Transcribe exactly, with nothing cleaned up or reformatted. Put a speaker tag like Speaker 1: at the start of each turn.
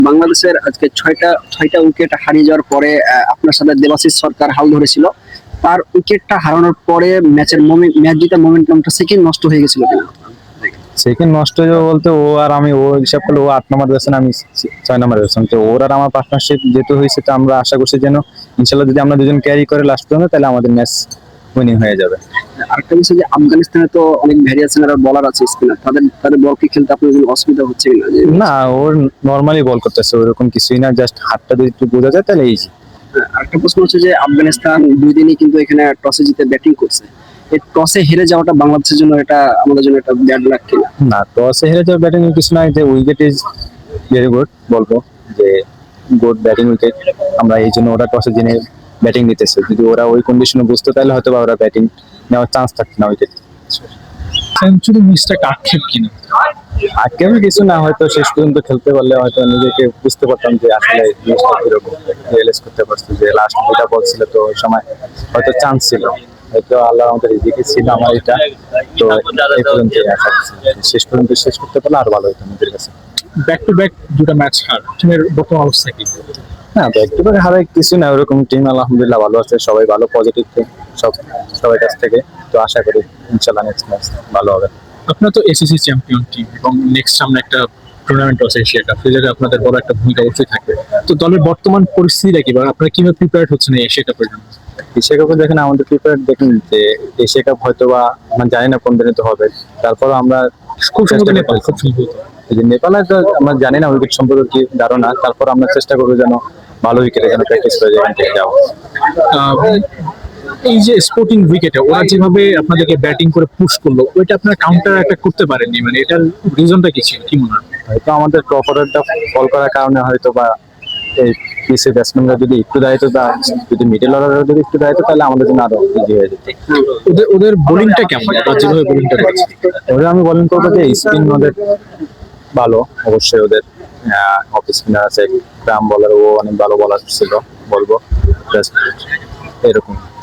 Speaker 1: বাংলাদেশের আজকে ছয়টা ছয়টা উইকেট হারিয়ে যাওয়ার পরে আহ, আপনার সাথে দেবাশিস সরকার হাল ধরেছিল। তার উইকেটটা হারানোর পরে ম্যাচের ম্যাচ জিতার মোমেন্টামটা সেকেন্ড নষ্ট হয়ে গেছিল কিনা?
Speaker 2: সেকেন্ড নষ্ট হয়ে যাবে বলতে ও আর আমি, ও হিসাব করলে ও আট নম্বর ব্যাটসম্যান, আমি ছয় নম্বর ব্যাটসম্যান। তো ওর আর আমার পার্টনারশিপ যেহেতু হয়েছে, তো আমরা আশা করছি যেন ইনশাল্লাহ যদি আমরা দুজন ক্যারি করে লাস্ট পর্যন্ত, তাহলে আমাদের ম্যাচ উইনিং হয়ে যাবে।
Speaker 1: আরেকটা বিষয় যে আফগানিস্তানে তো অনেক ভ্যারিয়েশনের বলার আছে স্পিনার, তাদের তাদের বল কি খেলতে আপনার কোনো অসুবিধা হচ্ছে কিনা? যে
Speaker 2: না, ওর নর্মালি বল করতেছে, ওরকম কিছুই না, জাস্ট হাতটা যদি একটু বোঝা যায় তাহলে ইজি।
Speaker 1: আহ, আরেকটা প্রশ্ন হচ্ছে যে আফগানিস্তান দুই দিনই কিন্তু এখানে টসে জিতে ব্যাটিং করছে। এই টসে হেরে যাওয়াটা বাংলাদেশের জন্য এটা আমাদের জন্য একটা ব্যাড লাক কিনা?
Speaker 2: না, টসে হেরে যাওয়া ব্যাটিং কিছু নাই, যে উইকেট ইজ ভেরি গুড বলবো, যে গুড ব্যাটিং উইকেট। আমরা এই জন্য ওরা টসে জিনে ব্যাটিং নিতেছে। যদি ওরা ওই কন্ডিশনে বুঝতো তাহলে হয়তো বা ওরা ব্যাটিং নেওয়ার চান্স থাকতো না উইকেট।
Speaker 3: সেঞ্চুরি মিসটা আক্ষেপ কিনা?
Speaker 2: আজকে আমি কিছু না, হয়তো শেষ পর্যন্ত খেলতে পারলে হয়তো নিজেকে বুঝতে পারতাম যে আসলে জিনিসটা কিরকম, রিয়েলাইজ করতে পারছি যে লাস্ট দুটা বল ছিল, তো ওই সময় হয়তো চান্স ছিল, হয়তো আল্লাহ আমাদের রিজিকে ছিল আমার এটা। তো এই পর্যন্ত আশা করছি শেষ পর্যন্ত শেষ করতে পারলে আর ভালো হতো নিজের কাছে।
Speaker 3: ব্যাক টু ব্যাক দুটো ম্যাচ হার, টিমের বর্তমান অবস্থা কি?
Speaker 2: না, ব্যাক টু ব্যাক হারায় কিছু না, ওরকম টিম আলহামদুলিল্লাহ ভালো আছে, সবাই ভালো পজিটিভ টিম সব, সবার কাছ থেকে। তো আশা করি ইনশাল্লাহ নেক্সট ম্যাচ ভালো হবে।
Speaker 3: আপনার তো এসিসি চ্যাম্পিয়ন টিম এবং নেক্সট সামনে একটা টুর্নামেন্ট আছে এশিয়া কাপ, সেই জায়গায় আপনাদের বড় একটা ভূমিকা অবশ্যই থাকবে। তো দলের বর্তমান পরিস্থিতিটা কি, বা আপনারা কিভাবে প্রিপেয়ার হচ্ছেন এই এশিয়া কাপের জন্য?
Speaker 2: এশিয়া কাপে দেখেন আমাদের প্রিপেয়ার, দেখেন যে এশিয়া কাপ হয়তো বা আমরা জানি না কোন দিনে তো হবে, তারপরও আমরা
Speaker 3: খুব সম্ভবত
Speaker 2: চেষ্টা
Speaker 3: নেপাল, খুব
Speaker 2: করতেছি।
Speaker 3: সম্ভবত।
Speaker 2: এই যে নেপালে তো আমরা জানি না উইকেট সম্পর্কে কি ধারণা, তারপর আমরা চেষ্টা করবো যেন ভালো উইকেটে যেন প্র্যাকটিস করে যেখান থেকে যাবো।
Speaker 3: আহ, এই যে স্পোর্টিং উইকেটে ওরা যেভাবে আপনাদেরকে ব্যাটিং করে পুশ করলো, ওইটা আপনারা কাউন্টার অ্যাটাক করতে পারেননি, মানে এটার রিজনটা কি ছিল, কি মনে হয়?
Speaker 2: হয়তো আমাদের প্রপারেটটা ফল করার কারণে হয়তো বা এই পিসি ব্যাটসম্যানরা যদি একটু দায়িত্ব দেয়, যদি মিডল অর্ডার যদি একটু দায়িত্ব, তাহলে আমাদের জন্য আরো ইজি হয়ে যেত।
Speaker 3: ওদের ওদের বোলিংটা কেমন, বা যেভাবে বোলিংটা করেছে?
Speaker 2: ওরা আমি বলেন করবো যে স্পিন ওদের ভালো, অবশ্যই ওদের অফ স্পিনার আছে, গ্রাম বলার, ও অনেক ভালো বলার ছিল বলবো, Just এরকম।